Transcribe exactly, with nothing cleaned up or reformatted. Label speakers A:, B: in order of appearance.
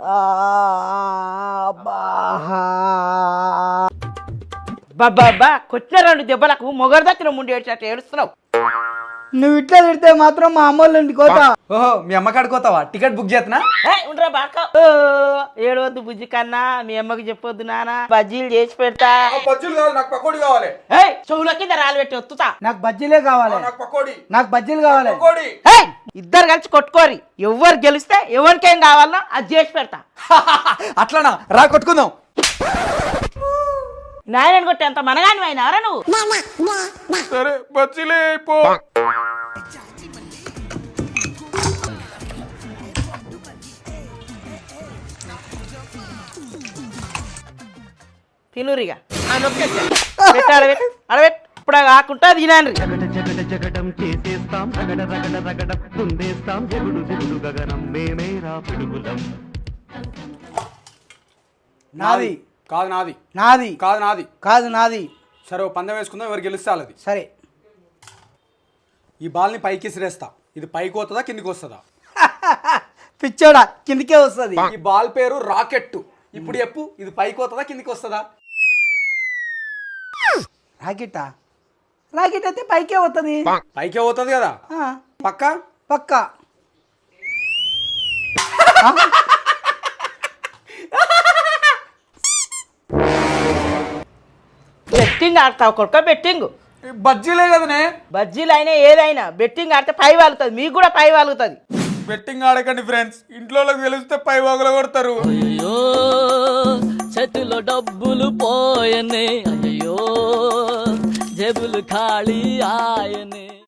A: బాబా కొట్టిన రెండు దెబ్బలకు మొగరు దక్కిన ముందు ఏడ్చినట్టు ఏడుస్తున్నావు.
B: నువ్వు ఇట్లా తిడితే మాత్రం మా అమ్మోళ్ళ ఇంటికి పోతా.
C: ఓహో మీ అమ్మ కాడుకోతావా? టికెట్ బుక్ చేస్తున్నా.
A: ఉండరా బాక ఏడవద్దు బుజ్జి కన్నా, మీ అమ్మకి చెప్పొద్దు నాన్న, బజ్జీలు చేసి పెడతా.
C: బజ్జీలు కావాలి, నాకు పకోడీ కావాలి.
A: చెవుల కింద రాళ్ళు పెట్టి వత్తుతా.
B: నాకు బజ్జీలే కావాలి,
C: నాకు పకోడీ,
B: నాకు బజ్జీలు కావాలి.
A: ఇద్దరు కలిసి కొట్టుకోరి, ఎవరు గెలిస్తే ఎవరికేం కావాలనో అది చేసి పెడతా.
C: అట్లనా? రా కొట్టుకుందాం.
A: నాయనని కొట్టి అంత మనగాని అయినారా నువ్వు?
C: సరే బజ్జీలే అయిపో.
A: తినురిగా పెట్టాలి అడబెట్ ఇప్పుడు కాకుండా తినాను.
B: నాది
C: కాదు నాది,
B: నాది
C: కాదు నాది,
B: కాదు నాది.
C: సరే ఓ పందెం వేసుకుందాం, ఎవరు గెలిస్తే వాళ్ళది.
B: సరే
C: ఈ బాల్ని పైకి విసిరేస్తా. ఇది పైకి వస్తుందా కిందికి వస్తుందా?
B: పిచ్చోడా, కిందికే వస్తుంది.
C: ఈ బాల్ పేరు రాకెట్. ఇప్పుడు చెప్పు, ఇది పైకి వస్తుందా కిందికి వస్తుందా?
B: రాకెట్టా? రాకెట్ అయితే పైకే వస్తుంది.
C: పైకే పోతుంది కదా పక్క
B: పక్క.
A: బెట్టింగ్ ఆడతావు కొడుక, బెట్టింగ్.
C: బజ్జీలే కదనే.
A: బజ్జీలు అయినా ఏదైనా బెట్టింగ్ ఆడితే పై వాలుతుంది, మీకు కూడా పై వాలుతుంది.
C: బెట్టింగ్ ఆడకండి ఫ్రెండ్స్, ఇంట్లో తెలిస్తే పై వాగులు కొడతారు.
D: అయ్యో చేతిలో డబ్బులు పోయనే, అయ్యో జేబులు ఖాళీ ఆయనే.